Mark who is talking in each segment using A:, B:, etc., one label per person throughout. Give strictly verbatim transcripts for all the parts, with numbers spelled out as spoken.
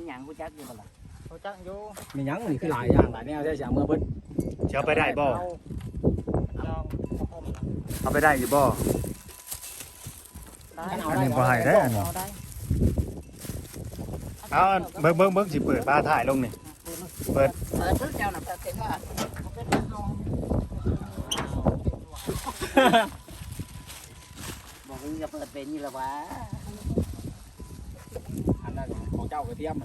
A: หยังกูจักอยู่บ่ล่ะ
B: เขาจักอยู่
C: มีหยังนี่คือหลายอย่างหลายแนวใช่จ้ะเมื่อเพิ่น
D: จะเอาไปได้บ่
B: ลองพ่อม
D: เอาไปได้อยู่บ่
B: ได้
D: อันนี้บ่ให้ได้อันนี้
B: เอาได้
D: เอาเบิ่งเบิ่งเบิ่งสิเปิดบ้าถ่ายลงนี่เปิด
A: เปิดทุกเจ้าน่ะเปิดเสร็จว่าบอกมึงจะเปิดเป็นนี่ละวะ
C: อันนั้นของเจ้ากระเทียมนะ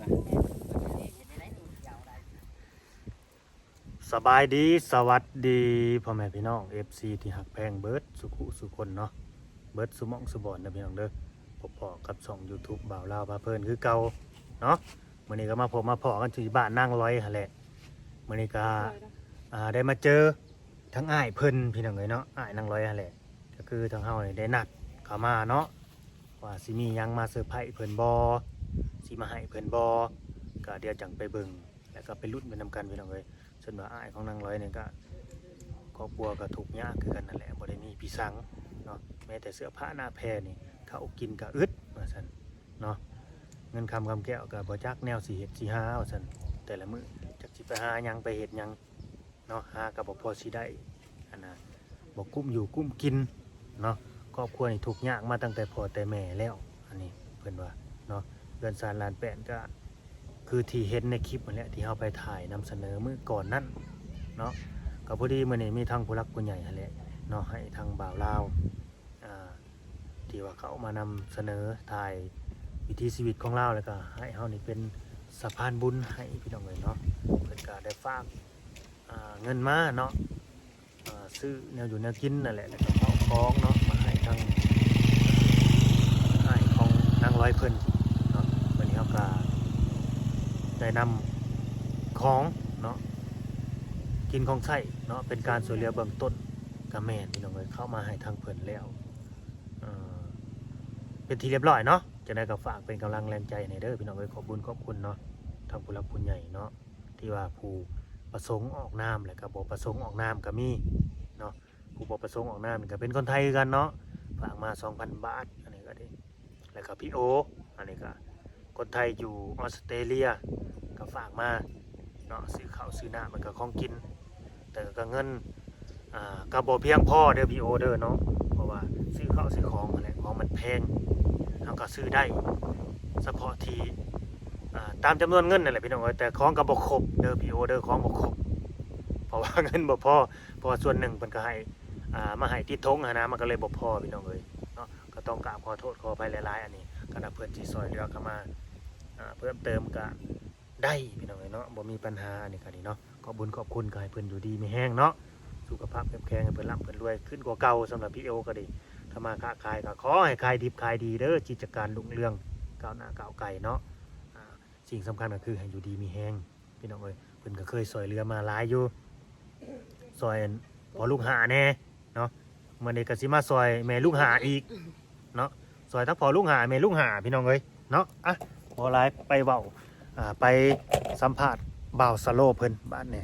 D: สบายดีสวัสดีพ่อแม่พี่น้อง เอฟ ซี ที่หักแพงเบิร์ดสุขุสุคนเนาะเบิร์ดสุหมองสุบอนนะพี่น้องเด้อพบพอกับช่อง YouTube บ่าวลาวพาเพลินคือเก่าเนาะมื้อนี้ก็มาพบมาพอกันที่บ้านนางร้อยหั่นแหละมื้อนี้ก็อ่าได้มาเจอทั้งอ้ายเพิ่นพี่น้องเอ้ยเนาะอ้ายนางร้อยหั่นแหละก็คือทางเฮานี่ได้นัดเข้ามาเนาะว่าสิมีหยังมาเซอร์ไพรส์เพิ่นบ่สิมาให้เพิ่นบ่ก็เดี๋ยวจังไปเบิ่งแล้วก็ไปลุ้นไปนำกันพี่น้องเอ้ยส่วนว่าอ้ายของนางร้อยนี่ก็ครอบครัวก็ทุกข์ยากคือกันนั่นแหละบ่ได้มีพี่สังเนาะแม้แต่เสื้อผ้าหน้าแพรนี่เขากินก็อึดว่าซั่นเนาะเงินคำคำแก้วก็บ่จักแนวสิเฮ็ดสิหาว่าซั่นแต่ละมื้อจักสิไปหาหยังไปเฮ็ดหยังเนาะหาก็บ่พอสิได้อันน่ะบ่กุ้มอยู่กุ้มกินเนาะครอบครัวนี่ทุกข์ยากมาตั้งแต่พ่อแต่แม่แล้วอันนี้เพิ่นว่าเนาะเรือนซานลานแป้นก็คือที่เห็นในคลิปนั่นแหละที่เฮาไปถ่ายนำเสนอมื้อก่อนนั้นเนาะก็พอดีมื้อนี้มีทางผู้หลักผู้ใหญ่นั่นแหละเนาะให้ทางบ่าวลาวอ่าที่ว่าเขามานำเสนอถ่ายวิถีชีวิตของเราแล้วก็ให้เฮานี่เป็นสะพานบุญให้พี่น้องเอ้ยเนาะเพิ่นก็ได้ฝากอ่าเงินมาเนาะอ่าซื้อแนวอยู่แนวกินนั่นแหละแล้วก็ข้าวของเนาะมาให้ทางให้ของนางร้อยเพิ่นเนาะวันนี้เฮาก็ได้นำของเนาะกินของใช้เนาะเป็นการช่วยเหลือเบื้องต้นก็แม่นพี่น้องเอ้ยเข้ามาให้ทางเพิ่นแล้วเอ่อเป็นที่เรียบร้อยเนาะจะได้ก็ฝากเป็นกำลังแรงใจในเด้อพี่น้องเอ้ยขอบคุญขอบคุณเนาะทางผู้หลักผู้ใหญ่เนาะที่ว่าผู้ประสงค์ออกนามและก็บ่ประสงค์ออกนามก็มีเนาะผู้บ่ประสงค์ออกนามนี่ก็เป็นคนไทยกันเนาะฝากมา สองพัน บาทอันนี้ก็ได้แล้วก็พี่โออันนี้ก็คนไทยอยู่ออสเตรเลียก็ฝากมาเนาะซื้อข้าวซื้อน้ำมันก็ของกินแต่ก็เงินอ่าก็บ่เพียงพอเด้อพี่โอเด้อเนาะเพราะว่าซื้อข้าวซื้อของนั่นแหละของมันแพงเฮาก็ซื้อได้เฉพาะที่อ่าตามจำนวนเงินนั่นแหละพี่น้องเอ้ยแต่ของก็บ่ครบเด้อพี่โอเด้อของบ่ครบเพราะว่าเงินบ่พอเพราะว่าส่วนหนึ่งเพิ่นก็ให้อ่ามาให้ติดธงหั้นนะมันก็เลยบ่พอพี่น้องเอ้ยเนาะก็ต้องกราบขอโทษขออภัยหลายๆอันนี้ก็ถ้าเพิ่นสิซอยเหลือเข้ามาอ่าเพิ่มเติมก็ได้พี่น้องเอ้ยเนาะบ่มีปัญหาอันนี้ก็ดีเนาะขอบบุญขอบคุณก็ให้เพิ่นอยู่ดีมีแห้งเนาะสุขภาพเข้มแข็งให้เพิ่นร่ำเพิ่นรวยขึ้นกว่าเก่าสำหรับพี่โอก็ดีถ้ามาค้าขายก็ขอให้ขายดิบขายดีเด้อกิจการรุ่งเรืองก้าวหน้าก้าวไกลเนาะอ่าสิ่งสำคัญก็คือให้อยู่ดีมีแห้งพี่น้องเอ้ยเพิ่นก็เคยซอยเหลือมาหลายอยู่ซอยพอลูกหาแน่เนาะมื้อนี้ก็สิมาซอยแม่ลูกหาอีกเนาะซอยทั้งพอลูกหาแม่ลูกหาพี่น้องเอ้ยเนาะอ่ะบ่หลายไปเว้าอ่าไปสัมภาษณ์บ่าวสโลเพิ่นบ้านนี่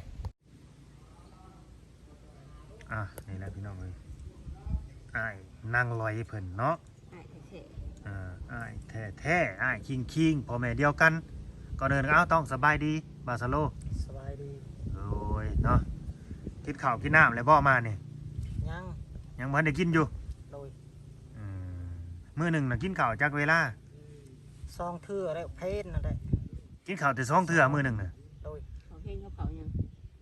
D: อ่ะนี่แหละพี่น้องเอ้ยอ้ายนั่งลอยเพิ่นเนาะอ่าอ้ายแท้แท้อ้ายคิงคิงพ่อแม่เดียวกันก่อนเดินก็เอ้าต้องสบายดีบ่าวสโล
B: สบายดี
D: โอ้ยเนาะกินข้าวกินน้ำแล้วบ่มานี่
B: ยัง
D: ยังบ่ได้กินอยู่
B: โดย
D: อืมมื้อหนึงน่ะกินข้าวจักเวลา
B: ซองเทื่อแล้วเพนนั่นแหละ
D: กินข้าวแต่สองเทื่อมื้อหนึงน่ะ
B: โดย
A: เขาเฮงเขาเขายัง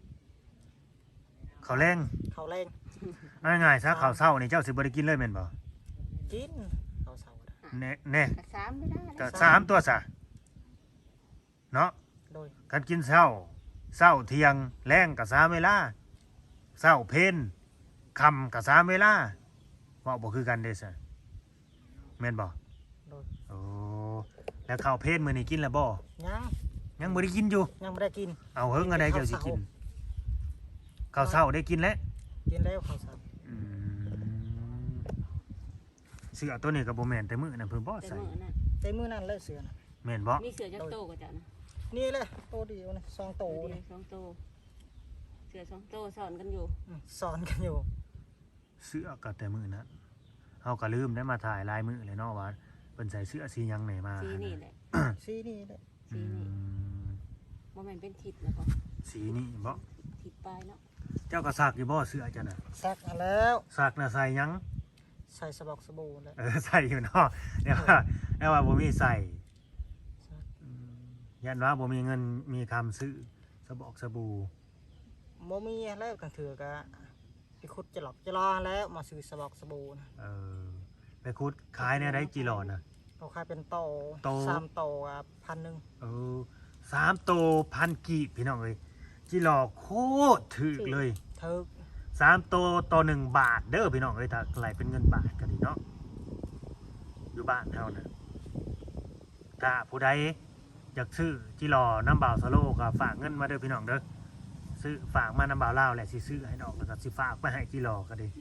D: ข้าวแรง
B: เขาแรง
D: เอาง่ายๆซะข้าวเช้านี่เจ้าสิบ่ได้กินเลยแม่นบ่
B: กินเขาเสาร์
D: แน่แน่
A: กระซ้ำไม่ได้
D: ก็สามตัวซะเนาะ
B: โดย
D: กันกินเช้าเช้าเที่ยงแรงก็สามเวลาเช้าเพลค่ำก็สามเวลาเว้าบ่คือกันเด้ซะแม่นบ่
B: โดย
D: โอ้แล้วข้าวเพลมื้อนี้กินแล้วบ่
B: ยัง
D: ยังบ่ได้กินอยู่
B: ยังไม่ได้กิน
D: เอาเฮิงอะไรเจ้าสิกินข้าวเช้าได้กินแล้ว
B: กินแล้วเขาเสาร์
D: อืมเสื้อตัวนี้ก็บ่แม่นแต่มื้อนั้นเพิ่นบ่
A: แต่
D: ใส่
A: เมื่อนั้น
B: แต่มือนั่นเลยเสือนะ
D: แม่นบ่
A: มีเสือจักโตกว่าจ้ะนะ
B: นี่เลยโตเดียวนะซองโต
A: เสือ
B: นะ
A: สองโตเสือสองโตสอนกันอยู่
B: อืมสอนกันอยู่
D: เสื้อก็แต่มื้อนั้นเฮาก็ลืมได้มาถ่ายลายมื้อเลยเนาะว่าเพิ่นใส่เสื้อสีหยังไหนมา
A: สีนี่แหละ
B: ซีนี่เลย
A: ส
D: อื
E: สีนี่
D: ม
E: บ่แม่นเป็นทิศแล้วบ่
D: สีนี่บ่
E: ทิศปลายเนาะ
D: เจ้าก็ซักอยู่บ่เสื้อจ้ะน่ะ
B: ซักเอาแล้ว
D: ซักน่ะใส่หยัง
B: ใส่สบอกสบู่เลย
D: เออใส่อยู่เนาะเดี๋ยวว่าเดี๋ยวว่าบ่มีใส่อืมยันว่าบ่มีเงินมีคำซื้อสบอกสบู่
B: โมมีแล้วกันถือกะไปขุดจะหลอกจะรอแล้วมาซื้อสบอกสบู่นะ
D: เออไปคุดขายเนี่ยได้กี่หลอดน่ะ
B: เขาขายเป็นโต
D: โต
B: สามโตอ่ะพันหนึ่ง
D: เออสามโตพันกีบพี่น้องเอ้ยจิหลอกโคตรถึกเลย
B: เทิก
D: สามโตต่อหนึ่งบาทเด้อพี่น้องเอ้ยถ้าไหลเป็นเงินบาทก็ดีเนาะอยู่บ้านเท่านั้นถ้าผู้ใดอยากซื้อจิหลอน้ำบ่าวสโลก็ฝากเงินมาเด้อพี่น้องเด้อซื้อฝากมาน้ำบ่าวลาวแหละสิซื้อให้ดอกแล้วก็สิฝากไปให้จิหลอก็ดี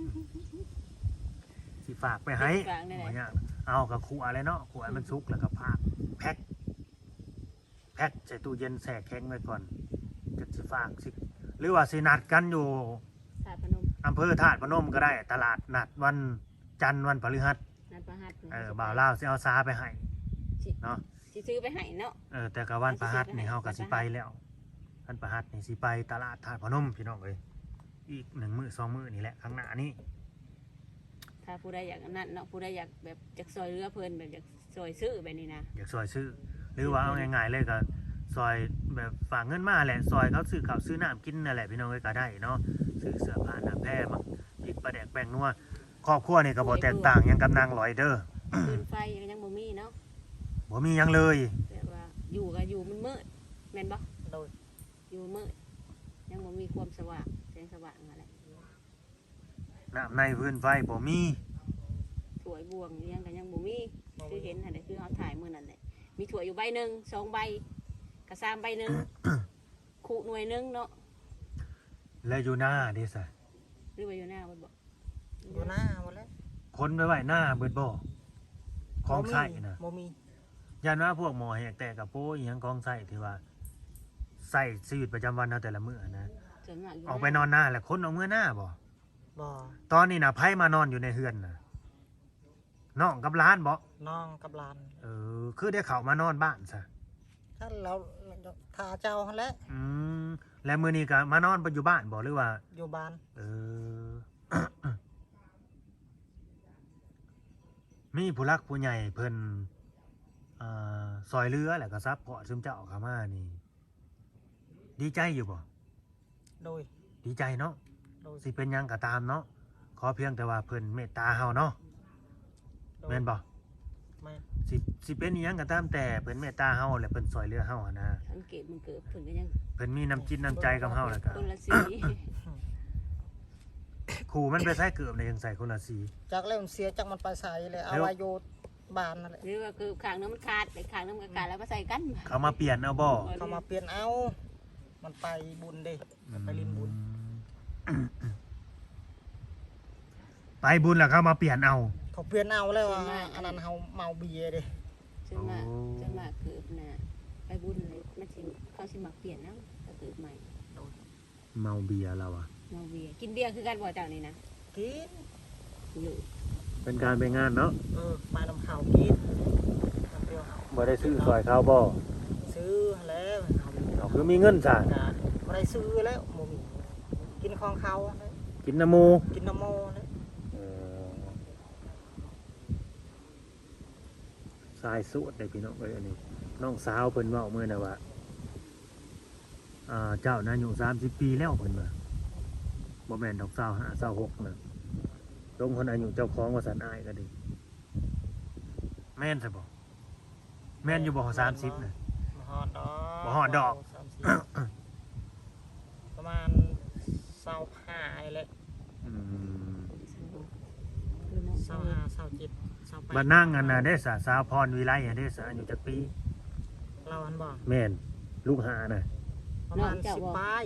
D: สิฝากไปให้
E: ฝากได้ไหน
D: บ่ยากเอากับขวอะไรเนาะขวให้มันสุกแล้วก็พากแพ็คแพ็คใส่ตู้เย็นแช่แข็งไว้ก่อนจะสิฝากสิหรือว่าสินัดกันอยู่
E: ธาตุพนม
D: อำเภอธาตุพนมก็ได้ตลาดนัดวันจันทร์วันพฤหัส
E: นัดประหัส
D: เออบ่าวลาวสิเอาซาไปให้เนาะ
E: สิซื้อไปให้เนาะ
D: เออแต่กับวันพฤหัสนี่เฮาก็สิไปแล้ววันพฤหัสนี่สิไปตลาดธาตุพนมพี่น้องเอ้ยอีกหนึ่งมื้อสองมื้อนี่แหละข้างหน้านี้
E: ถ้าผู้ใดอยากนั่นเนาะผู้ใดอยากแบบอยากซอยเรือเพิ่นแบบอยากซอยซื้อแบบนี้นะ
D: อยากซอยซื้อ หรือว่าเอาง่ายๆเลยก็ซอยแบบฝากเงินมาแหละซอยเขาซื้อข้าวซื้อน้ำกินนั่นแหละพี่น้องเอ้ยก็ได้เนาะซื้อเสื้อผ้าหน้าแพร่มาพริกปลาแดกแป้งนัวครอบครัวนี่ก็บ่แตกต่างหยังกับนางลอยเด้อ
E: ปืนไฟก็ยังบ่มีเนาะ
D: บ่มีหยังเลย
E: แบบว่าอยู่ก็อยู่มันมืดแม่นบ่
B: โดย
E: อยู่มืดยังบ่มีความสว่างแสงสว่างอะไร
D: น้ำในพื้นไฟบ่มี
E: ถ้วยบวงอิหยังก็ยังบ่มีคือเห็นหั่นแหละคือเฮาถ่ายมื้อนั้นแหละมีถ้วยอยู่ใบหนึงสองใบกระซามใบหนึง คู่หน่วยหนึงเนาะ
D: แล้วอยู่หน้าเด้ซะ
E: หรือว่าอยู่หน้าบ่บ่
B: อยู่หน้าหมดแล้ว
D: คนไปไว้หน้าเบิดบ่ของใส่น่ะ
B: โมมี
D: ยันว่าพวกหมอแหกแต่กับโป้อีหยังของใส่ที่ว่าใส่ชีวิตประจำวันเอาแต่ละมื้อนะ
E: ส่วนมากอยู่
D: ออกไปนอนหน้าแล้วคนเอาเมื่อหน้าบ่
B: บ่
D: ตอนนี้น่ะไผมานอนอยู่ในเฮือนน่ะน้องกับหล้านบ่
B: น้องกับหลาน
D: เออคือได้เข้ามานอนบ้านซะ
B: ถ้าเราทาเจ้าหั่นแหละ
D: อืมแล้วมื้อนี้ก็มานอนบ่อยู่บ้านบ่หรือว่า
B: อยู่บ้าน
D: เออ มีผู้รักผู้ใหญ่เพิ่นอ่าซอยเรือแหละก็ซับพอร์ตซึมเจ้าเข้ามานี่ ดีใจอยู่บ่
B: โดย
D: ดีใจเนาะ
B: โดย
D: สิเป็นหยังก็ตามเนาะขอเพียงแต่ว่าเพิ่นเมตตาเฮาเนาะ
B: โดย
D: แม่นบ่
B: แม่น
D: สิสิเป็นอิหยังก็ตามแต่เพิ่นเมตตาเฮาและเพิ่นซอยเรือเฮาอะนะ
E: สังเกตมันเกิดเพิ่นก็ยัง
D: เพิ่นมีน้ำจิตน้ำใจกับเฮาแล้วก็
E: คนละสี
D: ขู่มันไปใส่เกือบในยังใส่คนละสี
B: จากแล้วมันเสียจากมันไปใส่เลยเอา
D: แล้ว
B: ไว้อยู่บ้านนั่นแหละ
E: หรือว่าคือข้างนึงมันขาดแต่ข้างนึงมันขาดแล้วมาใส่กัน
D: เขามาเปลี่ยนเอาบ่
B: เขามาเปลี่ยนเอา มันไปบุญเด้ไปลินบุญ
D: อืมไปบุญแล้วเขามาเปลี่ยนเอา
B: เขาเปลี่ยนเอาแล้วอ่ะอันนั้นเขาเมาเบียร์เด้
E: จนมากจนมากเกิดน่ะไปบุญเลยมันสิเขาสิมักเปลี่ยนเนาะก็เกิดใหม่
D: เมาเบียร์แล้วอ่ะ
E: เมาเบียร์กินเบียร์คือกันบ่เจ้านี่นะ
B: กิน
E: อยู่
D: เป็นการไปงานเนาะ
B: เออมาน้ำข้าวกินน้ำเปรี้ยวเขา
D: บ่ได้ซื้อซอยเขาบ่
B: ซื้อแล้วเอา
D: เอาคือมีเงินซะ
B: ก็บ่ได้ซื้อแล้วโมมีกินของเขาเลย
D: กินน้ำหมู
B: กินน้ำโมเลย
D: เออสายสุดเลยพี่น้องเอ้ยอันนี้น้องสาวเพิ่นเว้ามื้อน่ะว่าอ่าเจ้าน่ะอายุสามสิบปีแล้วเพิ่นว่าบ่แม่นดอกสาวห้าสาวหกน่ะลงคนอายุเจ้าของว่าสันอายก็ดีแม่นซะบ่แม่นอยู่บ่สามสิบน่ะ
B: บ่ฮอดดอก
D: บ่ฮอดดอก
B: สามสิบประมาณเศร้าห้าไอ้แหละ
D: อืม
E: คือน้อง
B: เศร้าห้าเศร้าเจ็ดเศร้าแปด
D: บัดนั่งอันน่ะเด้สาสาวพรวิไลอะเด้สาอายุจักปี
B: เราอันบอก
D: แม่นลูกหาน่ะ
B: ประมาณสิบปลาย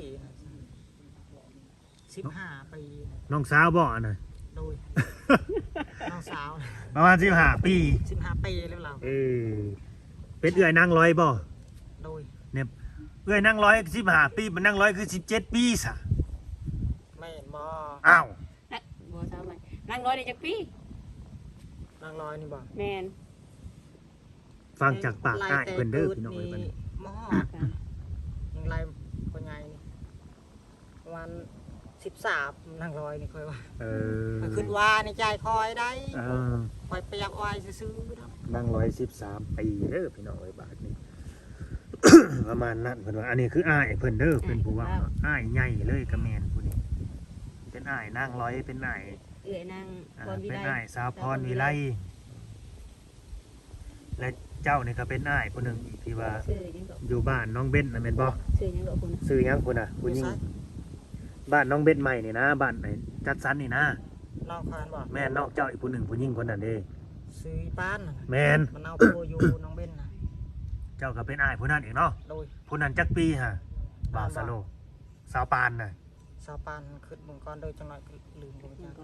B: สิบห้าปี
D: น้องสาวบ่อันน่ะ
B: โดย น้องสาว
D: ประมาณสิบห้าปี
B: สิบห้าปีแล้วเรา
D: เออเป็นเอื้อยนั่งร้อยบ่
B: โดย
D: เนี่ยเอื้อยนั่งร้อยสิบห้าปีมันนั่งร้อยคือสิบเจ็ดปีซะ
B: ไม่เห็นบ่
D: อ้าว
E: นักบ่ทราบไหมนั่งร้อยได้จักปี
B: นางลอยนี่บ่
E: แม่น
D: ฟังจากปากอ้ายเพิ่นเด้อพี่น้องเอ้ยบัดนี้
B: หม้อยังไรคนใหญ่นี่ประมาณสิบสามนางร้อยนี่ค่อยว่า
D: เออ
B: มันขึ้นว่าในใจคอยได้
D: เออ
B: คอยไปยักวายซื้อๆเนาะ
D: นั่งร้อยสิบสามปีเด้อพี่น้องเอ้ยบาทนี้ ประมาณนั้นเพิ่นว่าอันนี้คืออ้ายเพิ่นเด้อเพิ่นผู้ว่าอ้ายใหญ่เลยกระแมนผู้นี้เป็นอ้ายนางร้อยเป็นอ้าย
E: เอื้อยนาง
D: อ่า
E: พรวิ
D: เป็น
E: ไล
D: อ้ายสาวพรวิไลและเจ้านี่ก็เป็นอ้ายผู้หนึงอีกที่ว่า
E: ชื่อยังก็
D: อยู่บ้านน้องเบ้นน่ะแม่นบ่
E: ชื่อยังก็คุณ
D: ซื้อหยังพุ่นน่ะผู้หญิงบ้านน้องเบ้นใหม่นี่นะบ้านไหนจัดสรรนี่นะ
B: น้องคานบอก
D: แม่นนอกเจ้าอีกผู้หนึงผู้หญิงคนนั้นเด้
B: ซื้อป้านน่ะ
D: แม่น
B: มันเอาโปอยู่น้องเบ้นนะ
D: เจ้าก็เป็นอ้ายผู้นั้นอีกเนาะ
B: โดย
D: ผู้นั้นจักปีฮะบ่าวสโลสาวปานน่ะ
B: สาวปานขึ้นเมืองก่อนโดยจังหน่อยก็ลืมลง
E: เมื่อ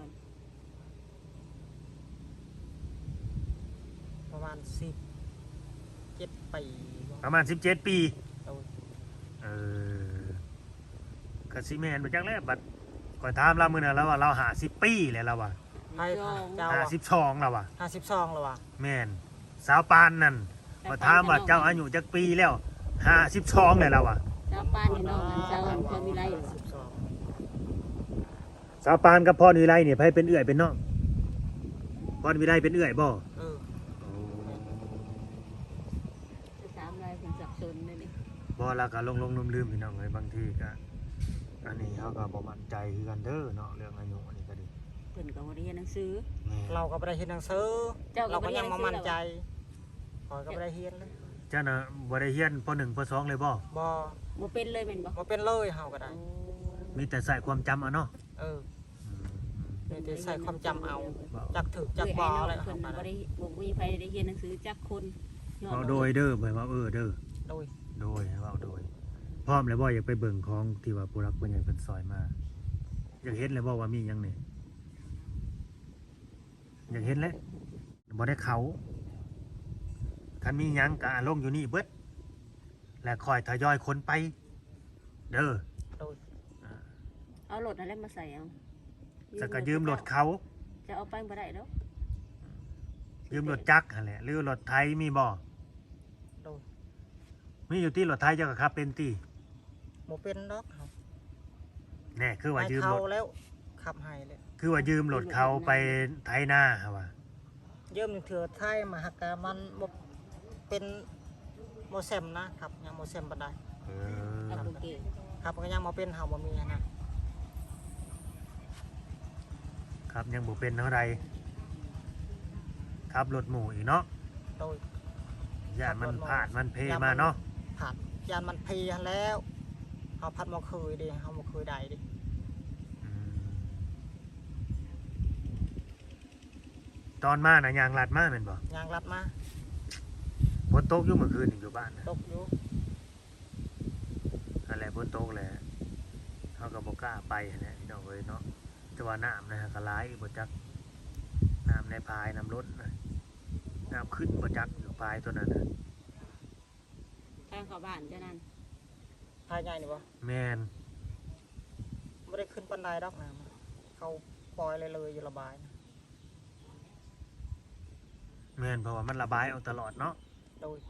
B: จาก
E: ก่อน
B: ประมาณสิบเจ็ดปี
D: ประมาณสิบเจ็ดปี
B: โดย
D: เออกสิแมนบ่จักแล้วบัดก่อนถามเรามื้อนั้นแล้วว่าเราหาสิบปีแล้วเราว่า
B: ให้เจ้า
D: หาสิบสองแล้วว่า
B: ห้าสิบสองแล้วว่ะ
D: แม่นสาวปานนั่นก็ถามว่าเจ้าอายุจักปีแล้วห้าสิบสองแล้วเราว่า
E: เจ้าป้านนี่น้องอันเจ้าพรวิไล
B: สิบสอง
D: สาวปานกับพรวิไลเนี่ยไผเป็นเอื้อยเป็นน้องพรวิไลเป็นเอื้อยบ่
B: เออ
E: สามลายเป็นสับสนเลยนี่
D: บ่แล้วก็ลงๆลืมๆพี่น้องเอ้ยบางทีก็อันนี้เฮาก็บ่มั่นใจคือกันเด้อเนาะเรื่องอายุอันนี้ก็ดี
E: เพิ่นก็บ่ได้เรียนหนังสือ
D: แม่
B: เราก็ไม่ได้เห็นหนังสือ
E: เจ้าก็
B: เรา
E: บ่
B: ก็
E: ได้
B: ยัง
E: เรียนหนั
B: มาง
E: สือ
B: มั่นใจคอยก็ไม่ได้เห็นเลย
D: เจ้าน่ะบ่ได้เรียนปหนึ่งปสองเลยบ่
B: บ่
E: บ่เป็นเลยแม่นบ่
B: บ่เป็นเลยเฮาก็ได้
D: มีแต่ใส่ความจำเอาเนาะ
B: เออ
D: อืม
B: มีแต่ใส่ความจำเอา
D: บ่
B: จักถึกจั
E: จั
B: ก
E: ก
B: บ่
E: บ่
B: อะไร
E: เพิ่
B: เฮาน ก็
E: บ่
B: ได้
E: ได้บ่มีใครได้เรียนหนังสือจักคนย้อน
D: เอาโดยเด้อหมายว่าเออเด้อ
B: โดย
D: โดยเว้าโดยพร้อมแล้วบ่อยากไปเบิ่งของที่ว่าผู้รักผู้ใหญ่เพิ่นซอยมาอยากเห็นแล้วบ่ว่ามีหยังนี่อยากเห็นแล้วบ่ได้เขาคันมีหยังก็ลงอยู่นี่เบิดและคอยทยอยคนไป เด้อ
B: โดย
D: อ่า
E: เอารถอะไรมาใส่เอา
D: จะก็ยืมรถเขา
E: จะเอาไปบ่ได้ดอก
D: ยืมรถจักรนั่นแหละหรือรถไทยมีบ่
B: โดย
D: มีอยู่ที่รถไทยเจ้าก็ขับเป็นติ
B: บ่เป็นดอกเฮา
D: แน่คือว่า
B: ให้
D: ยืม
B: เขา
D: รถ
B: แล้วขับให้เลย
D: คือว่ายืมรถเขาไปไถนาฮะว่า
B: เยิ่มเถื่อไทยมาหักกะมันบ่เป็นโมเซมนะครับยังโมเซมบันได
D: เอ
E: เอา
D: อ
E: โอเค
B: ครับก็ยังมาเป็นเฮาบ่มีนะครับ
D: ยังบ่เป็นเท่าใดขับรถหมู่อีกเนาะ
B: โดย
D: ย่านมันพลาดมันเพมาเนาะ
B: ผัดยานมันเพลียแล้วเฮาพัดบ่เคยเดิเฮาบ่เคยได้เดิ
D: อืมตอนมาน่ะยางลัดมาแม่นบ่
B: ยางรัดมา
D: ฝนตกอยู่เมื่อคืนนี่อยู่บ้านน่ะ
B: ตกอยู่
D: นั่นแหละฝนตกแหละเฮาก็บ่กล้าไปหั่นแหละพี่น้องเอ้ยเนาะแต่ว่าน้ำนะฮะก็หลายบ่จักน้ำในพายน้ำล้นน่ะน้ำขึ้นบ่จักอยู่พายตัวนั้นน่ะ
E: ทางเข้าบ้านเจ้านั่น
B: ภายใหญ่นี่บ่
D: แม่น
B: บ่ได้ขึ้นปานใดดอกนะเขาปล่อยเลยเลยอยู่ระบายนะ
D: แม่นเพราะว่ามันระบายเอาตลอดเนาะ
B: โดย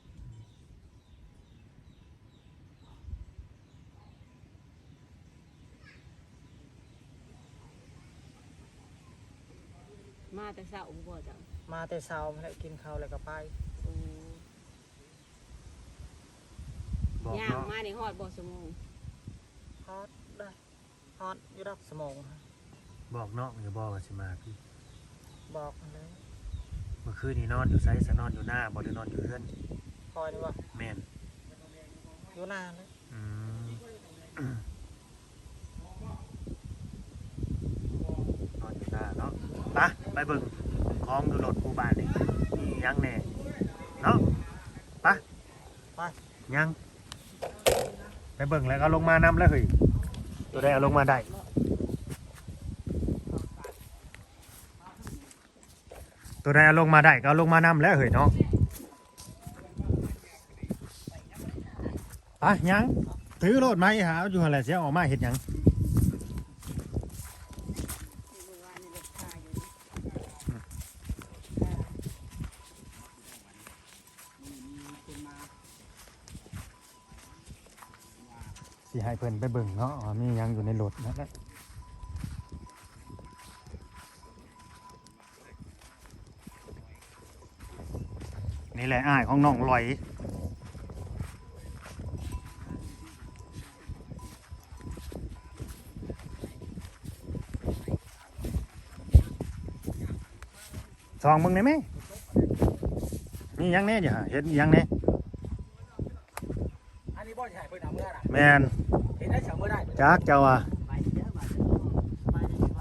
E: มาแต่เช้าบ่จ้ะ
B: มาแต่เช้ามาแล้วกินข้าวแล้วก็ไป
E: โอ้
D: บอก
E: ย่าง
D: เนาะ
E: มานี่ฮอดบ่ชั่วโมง
B: ฮอดได้ฮอดอยู่ดอกสมอง
D: บอกเนาะอย่าบอกว่าสิมาพี่
B: บอกเลย
D: เมื่อคืนนี้นอนอยู่ไสสนอนอยู่หน้าบ่ได้นอนอยู่เรือน
B: คอยนี่ว่า
D: แม่น
B: อยู่นานเลย
D: อืม นอนอยู่หน้าเนาะไปไปเบิ่งของอยู่รถผู้บ้านนี่มีหยังแน่เนาะไป
B: ไป
D: ยังไปเบิ่งแล้วก็ลงมานำแล้วเฮ้ยตัวใดเอาลงมาได้ตัวใดเอาลงมาได้ก็เอาลงมานำแล้วเฮ้ยเนาะไปยังถือรถไหมหาอยู่หั่นแหละเสียออกมาเฮ็ดหยังสิให้เพิ่นไปเบิ่งเนาะว่ามีหยังอยู่ในรถนั่นแหละนี่แหละอ้ายของน้องลอยซองมึงได้ไหมมีหยังแน่อยู่ฮะเห็นหยังแน่
C: อันนี้บ่สิให้เพิ่นเอาเมื่อน่ะ
D: แมน
C: เห็นได้เสาเมื่อได้
D: จักเจ้าอ่ะ
A: ไปเด้อมาเด้อไปเด้อไป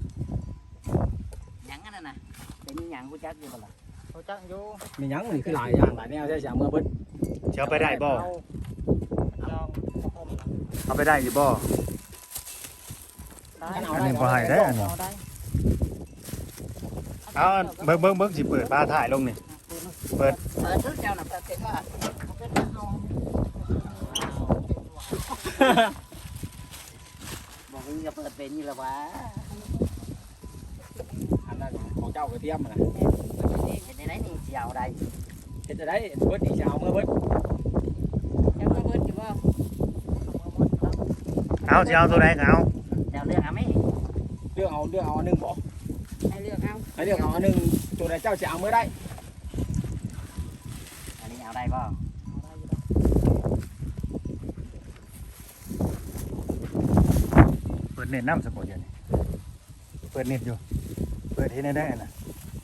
A: หยังอันนั้นน่ะเป็นหยังกูจักอยู่บ่ล่ะ
B: เขาจังอยู่
C: มีหยังนี่คือหลายอย่างหลายแนวใช่เสียเมื่อเบิด
D: เจ้าไปได้บ่
B: เอาลองเอาอมนะ
D: เอาไปได้อยู่บ่
B: ได้
C: เอา
D: อัน
C: ได้
D: นี้บ่ให้ได้อันนี้
B: เอาได้
D: เอาเบิ่งเบิ่งเบิ่งสิเปิดบ้าถ่ายลงนี่เปิด
A: เปิดทุกเจ้าน่ะเปิดเป็นว่า บอกมึงจะเปิดเป็นนี่ละวะ
C: อันนั้นของเจ้ากระเทียมน่ะ
A: เป็นได้ไหนนี่เสียวได้
C: เฮ็ดจะได้เบิดนี่สิเอาเมื่อเบิด
E: ยังมาเบิดอยู่บ่
D: เอาสิเอาตัวไหนก็เอา
A: เจ้าเลือกเอาไหม
C: เลือกเอาเลือกเอาอันหนึงบ่
E: ให้เลือกเอา
C: ให้เลือกเอาอันหนึงตัวใดเจ้าสิเอาเมื่อได้
A: อันนี้เอาได้ป่ะ
D: เปิดเน็ตน้ำสปอร์ตอยู่นี่เปิดเน็ตอยู่เปิดที่ไหนได้น่ะ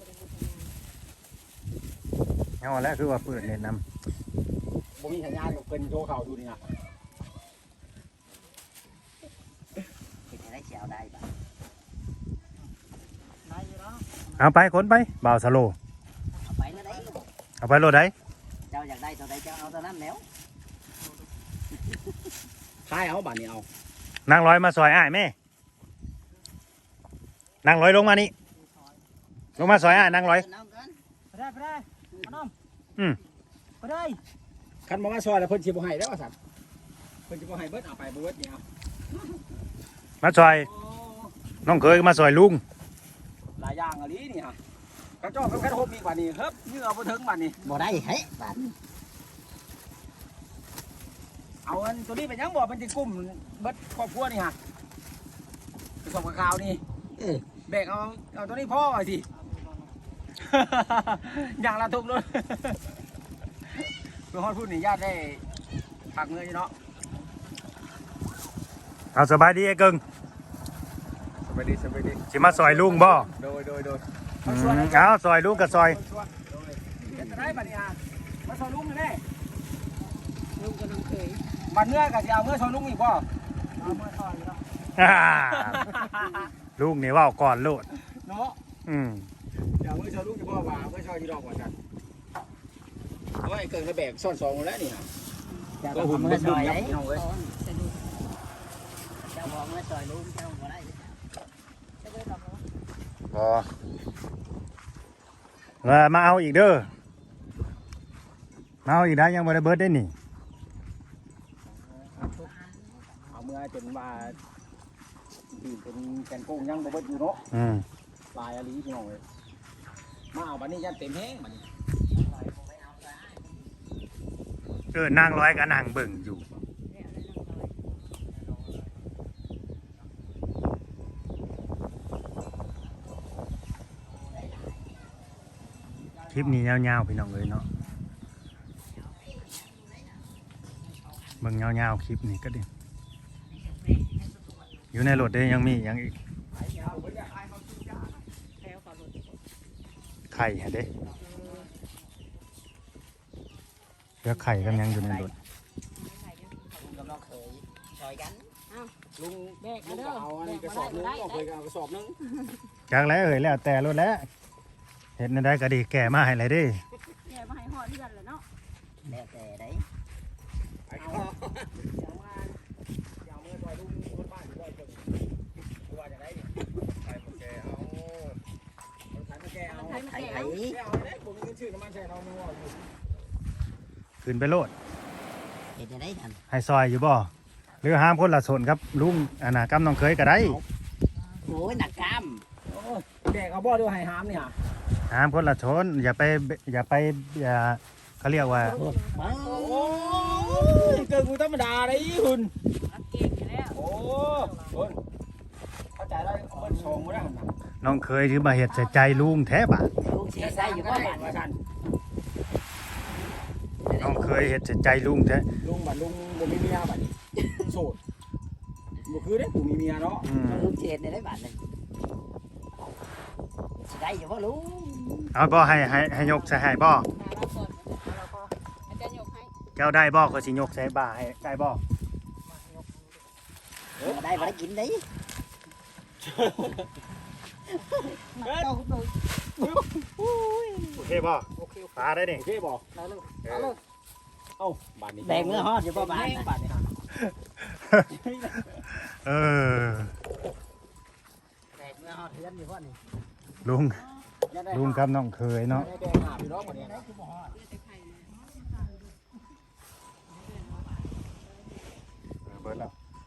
D: เอาแล้วคือว่าเปิดเน็ตน้
C: บ่มีสัญญาณเพิ่นโทรเข้าอยู่นี่น่ะ
A: เป็นได้เสียวได้ป่ะ
B: ได้อยู่แล้ว
D: ำเอาไปขนไปบ่าวสโล
A: เอาไปแล้วได้
D: เอาไปรถได้
A: เจ้าอยากได้ตัวใดเจ้าเอาตัวนั้นแล้ว
C: ขายเอาบัดนี้เอา
D: นางร้อยมาซอยอ้ายแม่นางร้อยลงมานี่ลงมาซอยอ้ายนางร้อย
A: เอาเกิน
B: ไปได้ไปได้มาน้อง
D: อืม
B: ไปได้
C: คันบ่มาซอยแล้วเพิ่นสิบ่ให้แล้วว่าซั่นเพิ่นสิบ่ให้เบิดเอาไปบ่เบิดนี่เอา
D: มาซอยน้องเคยมาซอยลุง
C: หลายอย่างอะลีนี่ฮะกระจอกกับกระทบอีกบัดนี้ครับเหงื่อบ่ถึงบัดนี้
A: บ่ได้เฮ้ยบาท
C: เอาอันตัวนี้เป็นหยังบ่เป็นสิกุ้มเบิดครอบครัวนี่ฮะกระสอบกับข้าวนี่
A: เออ
C: แบกเอาเอาตัวนี้พ่อไว้สิ อย่างละทุกเลยเพื่อฮอดพูดนี่ญาติได้ผักเงินอยู่เนาะ
D: เอาสบายดีไอ้เกิง
C: สบายดีสบายดี
D: สิมาซอยลุงบ่
C: โดยโดยโดย
D: อืมเอาซอยลุงกับซอย
C: เฮ็ดจะได้บัดนี้ฮะมาซอยลุงนี่แน่
E: ลุงกับน้องเคย
C: บัดเมื่อก็สิเอาเมื่อซอยลุงอีกบ่
B: เอามาซอยอยู่แล้ว
D: อ่าลุงนี่เว่าก่อนโลด
C: เนาะ
D: อืม
C: เดี๋ยวเมื่อซอยลุงจะบ่ว่าเมื่อซอยอยู่ดอกว่าจันโอ้ยเกินกระแบกซ่อนสองแล้วนี่ฮะ
A: เจ้า
C: ก็
A: ต้อง
C: หุ่น
A: เอา
C: เมื่
A: เมื่
C: อ
A: อ
C: ซ
A: ซ
C: อ
A: อย ย
C: ยับ
A: ได้
C: พี่น้องเอ้ย
E: สอนสะดุด
A: เจ้าบอกเมื่อซอยลุงเจ้าบ่ได้
E: จะเบิดดอกแล้ว
D: บ่แล้วมาเอาอีกเด้อมาเอาอีกได้ยังบ่ได้เบิดได้นี่
C: เอาเมื่อจนว่าดื่มเป็นแกงโก้งยังบ่เบิดอยู่เนาะ
D: อืม
C: ลายอะลีพี่น้องเอ้ยมาเอาบัดนี้ยันเต็มแห้งบัดนี้
D: เออนางร้อยก็นางเบิ่งอยู่
E: เนี่ยแล้วน้องน้อย
D: คลิปนี้ยาวๆพี่น้องเลยเนาะเบิ่งยาวๆคลิปนี้ก็ดิอยู่ในรถได้ยังมียังอีก
E: แล้วขอรถ
D: ไข่ฮะเด้เลือกไข่กันยังอยู่ในรถ
A: ลุงกับน้องเคยซอยกัน
C: ลุง
E: แบก
C: ลุ
E: มาง เด้
C: ก็
E: อ
C: เอาอัน
E: แบ
C: นี้
E: ก
C: กระ
E: มา
C: สอบนึง
E: ได้
C: เอาเค
E: ได้
C: ยเอากระสอบนึง
D: จากแล้วเอ่ยแล้วแต่รถแล้วเห็นได้ก็ดีแก่มาให้เลยเดิ
E: แย่มาให้หอดเลือดเลยเนาะ
A: แล้วแต่ได้
C: ไปเอาเอามาเอาเมื่อซอยลุงคนบ้านอยู่ด้วยเพิ่นว่าจะได้นี่ใส่มาแกเอาเอาใส่มาแกเอา
E: ใครมา
A: ไข่
E: แก่
A: ไข่
C: แกเอาได้ผมมีเงินชื่อน้ำมันใส่เราไม่ว่าอยู่
D: ขึ้นไปโลด
A: เห็นได้ทัน
D: ให้ซอยอยู่บ่หรือห้ามคนละส่วนครับลุงอันน่ะกำน้องเคยก็ได้
A: โอ้ยหนักกล้าม
C: โอ้ยแกเอาบ่อด้วยให้หามนี่ฮะ
D: ห้ามคนละชนอย่าไปอย่าไปอย่าเขาเรียกว่า
A: โอ้
C: โอ้ยเกินกูธรรมดาเลยคุณ
E: รักเก่งอยู่แล้ว
C: โอ้คุณเข้าใจแล้วมันชงมาได้ขนาด
D: น้องเคยคือมาเฮ็ดใส่ใจลุงแท้บาด
A: ลูกเสียใจอยู่ก็บ้าน
C: มากัน
D: น้องเคยเฮ็ดใส่ใจลุงแท้
C: ลุงบัดลุงบ่มีเมียบัดนี้โสดบ่คือเด้กูมีเมียเนาะ
D: อืม
A: ลูกเสียในได้บ้านเลยสิได้อยู่บ่ลุง
D: เอาบ่ให้ให้ให้ยกใส่ให้บ่
E: มาเราก่อนเราก็อาจารย์ยกให้
D: แก้วได้บ่ก็สิยกใส่บ่าให้ได้บ่
A: เออได้บ่ได้กินได้
D: โอเคบ่
B: โอเค
D: ปลาได้นี่
C: โอเคบ่
B: ได้เลยเอาเลย
C: เอ้าบัดนี้
A: แดงเมื่อฮอดอยู่บ่บ้านนะ
C: บัดนี้
D: เออ
A: แดงเมื่อฮอดเฮือนอยู่บ่นี่
D: ลุง
C: ยังได้
D: ลุงกับน้องเคยเนาะ
C: แดงหาพี่น้องบัดนี้นะ
D: เบิดแล้ว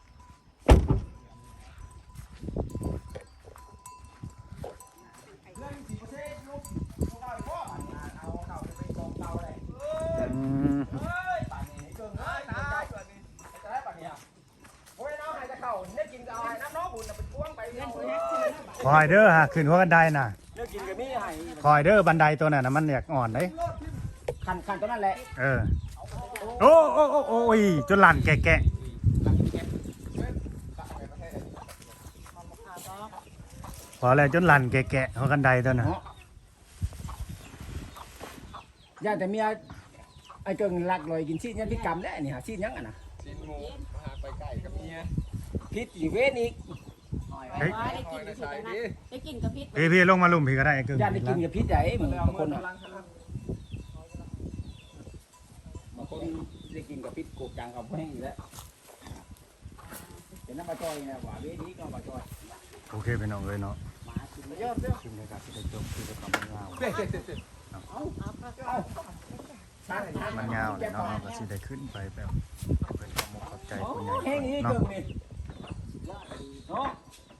C: เรื่องสิบ่เซ่ลูกลูกเอาอีกบ่บัดนี้เอาเต่าไปกองเต่าเลย
D: อืม
C: เฮ้ยบัดนี้เกินเอ้ยตายบัดนี้จะได้บัดนี้อ่ะโอ้ยน้องให้จะเข้าได้กินก็เอาให้น้ำน้องบุญน่ะไปทวงไปเอาเอ้ย
D: คอยเด้อฮะขึ้นหัวกันไดน่ะ
C: เลิกกินก็มีให้
D: คอยเด้อบันไดตัวนั้นน่ะมันอยากอ่อนเด้
C: คันคันตัวนั้นแหละ
D: เออโอ้โอ้โอ้โอ้ยจนลั่นแกะๆพอแล้วจนลั่นแกะๆหัวกันไดตัวน่ะ
C: ย่าแต่เมียไอ้เกิงลักลอยกินชีสยันพิกรรมได้นี่ฮะชีสยังอ่ะนะ
F: กินหมูมาหาไปไก่กับเมีย
C: พิษอีเวทอีก
D: เฮ้ย
E: ได้กินกับพิษนะได้กินกับพิษ
D: พี่พี่ลงมาลุ่มพี่ก็ได้ไอ้กึ่ง
C: ย่าได้กินกับพิษไหนมึงบางคนอ่ะบางคนได้กินกับพิษโกกจังกับแห้งอยู่แล้วเป็นน้ำปลาจอยนะว่าเวทนี้ก็ปลาจอย
D: โอเคพี่น้องเลยเนาะ
A: มากินมายอดเด้อ
D: ชิมเลยครับที่ได้จบคือจะทำมันยาว
F: เด็ดเด็ดเด็ดเด็ด
D: มันยาวเลยเนาะเราก็สิได้ขึ้นไปแบบเป็นความมกขอบใจผู้ใหญ่
C: แห้งนี้
D: เนาะ
C: เกิงนี่เนาะ